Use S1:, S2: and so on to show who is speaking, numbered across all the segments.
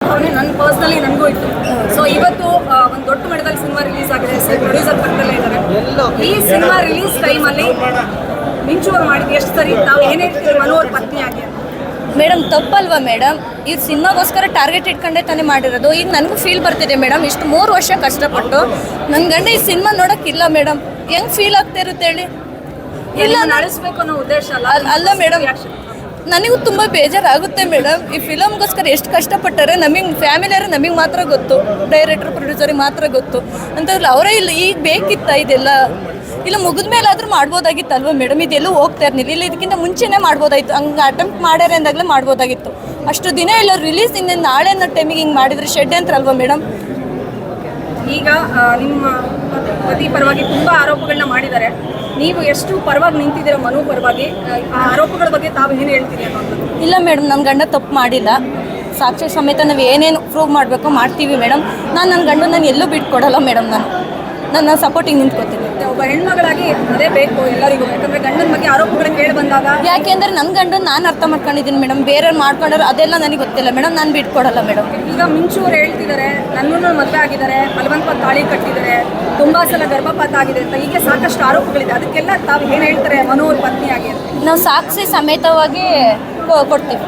S1: ಭಾವನೆ ನನ್ನ ಪರ್ಸ್ನಲಿ ನನಗೂ ಇತ್ತು. ಸೊ ಇವತ್ತು ಒಂದು ದೊಡ್ಡ ಮಟ್ಟದಲ್ಲಿ ಸಿನಿಮಾ ರಿಲೀಸ್ ಆಗಿದೆ. ಪ್ರೊಡ್ಯೂಸರ್ ಪಕ್ಕದಲ್ಲೇ ಇದ್ದಾರೆ. ಈ ಸಿನಿಮಾ ರಿಲೀಸ್ ಟೈಮಲ್ಲಿ ಮಿಂಚು ಅವ್ರು ಮಾಡಿದ್ದು ಎಷ್ಟು ಸರಿ, ನಾವು ಏನೇ ಮನೋಹರ್ ಪತ್ನಿಯಾಗಿ
S2: ಮೇಡಮ್ ತಪ್ಪಲ್ವಾ ಮೇಡಮ್? ಇವ್ರು ಸಿನಿಮಾಗೋಸ್ಕರ ಟಾರ್ಗೆಟ್ ಇಟ್ಕೊಂಡೇ ತಾನೇ ಮಾಡಿರೋದು. ಈಗ ನನಗೂ ಫೀಲ್ ಬರ್ತಿದೆ ಮೇಡಮ್, ಇಷ್ಟು 3 ವರ್ಷ ಕಷ್ಟಪಟ್ಟು ನನ್ನ ಗಂಡ ಈ ಸಿನಿಮಾ ನೋಡೋಕ್ಕಿಲ್ಲ ಮೇಡಮ್. ಹೆಂಗೆ ಫೀಲ್ ಆಗ್ತಾ ಇರುತ್ತೆ ಹೇಳಿ?
S1: ಇಲ್ಲ ನಡೆಸಬೇಕು ಅನ್ನೋ ಉದ್ದೇಶ
S2: ಅಲ್ಲ ಮೇಡಮ್, ನನಗೂ ತುಂಬ ಬೇಜಾರಾಗುತ್ತೆ ಮೇಡಮ್. ಈ ಫಿಲಮ್ಗೋಸ್ಕರ ಎಷ್ಟು ಕಷ್ಟಪಟ್ಟಾರೆ ನಮಗೆ ಫ್ಯಾಮಿಲಿಯವರು ನಮಗೆ ಮಾತ್ರ ಗೊತ್ತು, ಡೈರೆಕ್ಟ್ರ್ ಪ್ರೊಡ್ಯೂಸರಿಗೆ ಮಾತ್ರ ಗೊತ್ತು ಅಂತಂದ್ರೆ ಅವರೇ ಇಲ್ಲ. ಈಗ ಬೇಕಿತ್ತ ಇದೆಲ್ಲ? ಇಲ್ಲ ಮುಗಿದ ಮೇಲಾದರೂ ಮಾಡ್ಬೋದಾಗಿತ್ತಲ್ವ ಮೇಡಮ್? ಇದೆಲ್ಲೂ ಹೋಗ್ತಾ ಇರಲಿಲ್ಲ. ಇಲ್ಲ ಇದಕ್ಕಿಂತ ಮುಂಚೆನೇ ಮಾಡ್ಬೋದಾಗಿತ್ತು. ಹಂಗೆ ಅಟೆಂಪ್ಟ್ ಮಾಡ್ಯಾರೆ ಅಂದಾಗಲೇ ಮಾಡ್ಬೋದಾಗಿತ್ತು. ಅಷ್ಟು ದಿನ ಇಲ್ಲ ರಿಲೀಸ್ ಇಂದ ನಾಳೆ ಅನ್ನೋ ಟೈಮಿಗೆ ಹಿಂಗೆ ಮಾಡಿದ್ರೆ ಷಡ್ಯಂತ್ರ ಮೇಡಮ್?
S1: ಈಗ ನಿಮ್ಮ ಪತಿ ಪರವಾಗಿ ತುಂಬ ಆರೋಪಗಳನ್ನ ಮಾಡಿದ್ದಾರೆ. ನೀವು ಎಷ್ಟು ಪರವಾಗಿ ನಿಂತಿದ್ದೀರ ಮನು ಪರವಾಗಿ, ಆ ಆರೋಪಗಳ ಬಗ್ಗೆ ತಾವು ಏನು ಹೇಳ್ತೀರಿ ಅನ್ನೋದು?
S2: ಇಲ್ಲ ಮೇಡಮ್, ನನ್ನ ಗಂಡ ತಪ್ಪು ಮಾಡಿಲ್ಲ. ಸಾಕ್ಷಿ ಸಮೇತ ನಾವು ಏನೇನು ಪ್ರೂವ್ ಮಾಡಬೇಕು ಮಾಡ್ತೀವಿ ಮೇಡಮ್. ನನ್ನ ಗಂಡ ನಾನು ಎಲ್ಲೂ ಬಿಟ್ಕೊಡಲ್ಲ ಮೇಡಮ್. ನನ್ನ ಸಪೋರ್ಟಿಂಗ್ ನಿಂತ್ಕೊತೀನಿ.
S1: ಒಬ್ಬ ಹೆಣ್ಮಗಳಾಗಿ ಅದೇ ಬೇಕು ಎಲ್ಲರಿಗೂ. ಯಾಕಂದರೆ ಗಂಡನ ಬಗ್ಗೆ ಆರೋಪಗಳನ್ನ ಕೇಳಿ ಬಂದಾಗ,
S2: ಯಾಕೆಂದರೆ ನನ್ನ ಗಂಡನ ನಾನು ಅರ್ಥ ಮಾಡ್ಕೊಂಡಿದ್ದೀನಿ ಮೇಡಮ್. ಬೇರೆಯವ್ರು ಮಾಡ್ಕೊಂಡ್ರೆ ಅದೆಲ್ಲ ನನಗೆ ಗೊತ್ತಿಲ್ಲ ಮೇಡಮ್. ನಾನು ಬಿಟ್ಕೊಡಲ್ಲ ಮೇಡಮ್.
S1: ಈಗ ಮಿಂಚು ಅವ್ರು ಹೇಳ್ತಿದ್ದಾರೆ ನನ್ನನ್ನು ಮದುವೆ ಆಗಿದ್ದಾರೆ, ಬಲವಂತವಾಗಿ ತಾಳಿ ಕಟ್ಟಿದ್ದಾರೆ, ತುಂಬ ಸಲ ಗರ್ಭಪಾತ ಆಗಿದೆ ಅಂತ ಹೀಗೆ ಸಾಕಷ್ಟು ಆರೋಪಗಳಿದೆ. ಅದಕ್ಕೆಲ್ಲ ತಾವು ಏನು ಹೇಳ್ತಾರೆ ಮನೋಹರ್ ಪತ್ನಿಯಾಗಿ?
S2: ನಾವು ಸಾಕ್ಷಿ ಸಮೇತವಾಗಿ ಕೊಡ್ತೀವಿ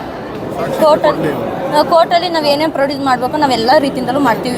S2: ಕೋರ್ಟಲ್ಲಿ ನಾವು ಏನೇನು ಪ್ರೊಡ್ಯೂಸ್ ಮಾಡಬೇಕು ನಾವೆಲ್ಲ ರೀತಿಯಿಂದಲೂ ಮಾಡ್ತೀವಿ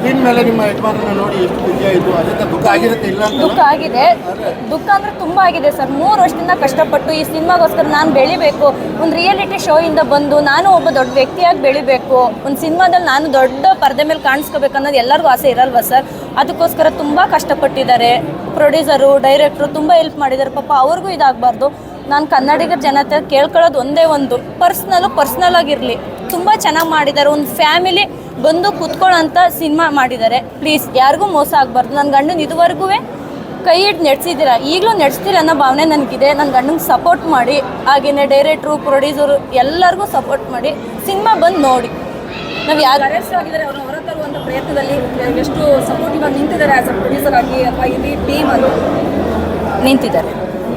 S2: ದುಃಖ ಆಗಿದೆ. ದುಃಖ ಅಂದರೆ ತುಂಬ ಆಗಿದೆ ಸರ್. 3 ವರ್ಷದಿಂದ ಕಷ್ಟಪಟ್ಟು ಈ ಸಿನಿಮಾಗೋಸ್ಕರ ನಾನು ಬೆಳಿಬೇಕು, ಒಂದು ರಿಯಾಲಿಟಿ ಶೋ ಇಂದ ಬಂದು ನಾನು ಒಬ್ಬ ದೊಡ್ಡ ವ್ಯಕ್ತಿಯಾಗಿ ಬೆಳಿಬೇಕು, ಒಂದು ಸಿನಿಮಾದಲ್ಲಿ ನಾನು ದೊಡ್ಡ ಪರದೆ ಮೇಲೆ ಕಾಣಿಸ್ಕೋಬೇಕು ಅನ್ನೋದು ಎಲ್ಲರಿಗೂ ಆಸೆ ಇರಲ್ವಾ ಸರ್? ಅದಕ್ಕೋಸ್ಕರ ತುಂಬ ಕಷ್ಟಪಟ್ಟಿದ್ದಾರೆ. ಪ್ರೊಡ್ಯೂಸರು ಡೈರೆಕ್ಟ್ರು ತುಂಬ ಹೆಲ್ಪ್ ಮಾಡಿದ್ದಾರೆ. ಪಾಪ ಅವ್ರಿಗೂ ಇದಾಗಬಾರ್ದು. ನಾನು ಕನ್ನಡಿಗರ ಜನತೆ ಕೇಳ್ಕೊಳ್ಳೋದು ಒಂದೇ ಒಂದು, ಪರ್ಸ್ನಲ್ ಆಗಿರಲಿ. ತುಂಬ ಚೆನ್ನಾಗಿ ಮಾಡಿದ್ದಾರೆ. ಒಂದು ಫ್ಯಾಮಿಲಿ ಬಂದು ಕೂತ್ಕೊಳ್ಳೋಂಥ ಸಿನಿಮಾ ಮಾಡಿದ್ದಾರೆ. ಪ್ಲೀಸ್ ಯಾರಿಗೂ ಮೋಸ ಆಗಬಾರ್ದು. ನನ್ನ ಗಂಡನ ಇದುವರೆಗೂ ಕೈ ಹಿಡ್ದು ನಡೆಸಿದ್ದೀರ, ಈಗಲೂ ನಡೆಸ್ತೀರ ಅನ್ನೋ ಭಾವನೆ ನನಗಿದೆ. ನನ್ನ ಗಂಡಂಗೆ ಸಪೋರ್ಟ್ ಮಾಡಿ, ಹಾಗೆಯೇ ಡೈರೆಕ್ಟ್ರು ಪ್ರೊಡ್ಯೂಸರು ಎಲ್ಲರಿಗೂ ಸಪೋರ್ಟ್ ಮಾಡಿ ಸಿನಿಮಾ ಬಂದು ನೋಡಿ. ನಾವು ಯಾರು
S1: ಅರೆಸ್ಟ್ ಆಗಿದ್ದಾರೆ ಅವರು ಹೊರತರುವಂಥ ಪ್ರಯತ್ನದಲ್ಲಿ ಎಷ್ಟು ಸಪೋರ್ಟಿವ್ ಆಗಿ ನಿಂತಿದ್ದಾರೆ ಆ್ಯಸ್ ಅ ಪ್ರೊಡ್ಯೂಸರ್ ಆಗಿ ಅಥವಾ ಇಡೀ ಟೀಮ್ ಅದು
S2: ನಿಂತಿದ್ದಾರೆ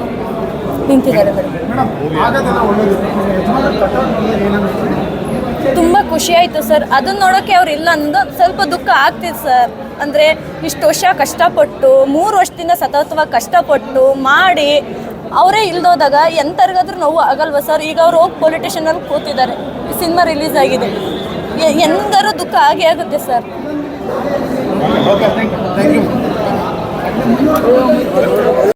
S2: ತುಂಬ ಖುಷಿ ಆಯಿತು ಸರ್. ಅದನ್ನ ನೋಡೋಕ್ಕೆ ಅವ್ರು ಇಲ್ಲ ಅನ್ನೋದು ಸ್ವಲ್ಪ ದುಃಖ ಆಗ್ತಿದೆ ಸರ್. ಅಂದರೆ ಇಷ್ಟು ವರ್ಷ ಕಷ್ಟಪಟ್ಟು 3 ವರ್ಷದಿಂದ ಸತತವಾಗಿ ಕಷ್ಟಪಟ್ಟು ಮಾಡಿ ಅವರೇ ಇಲ್ದೋದಾಗ ಎಂಥರಿಗಾದ್ರೂ ನೋವು ಆಗಲ್ವ ಸರ್? ಈಗ ಅವ್ರು ಹೋಗಿ ಪೊಲೀಸ್ ಸ್ಟೇಷನಲ್ಲಿ ಕೂತಿದ್ದಾರೆ. ಸಿನಿಮಾ ರಿಲೀಸ್ ಆಗಿದೆ, ಎಂದಾರು ದುಃಖ ಆಗೇ ಆಗುತ್ತೆ ಸರ್.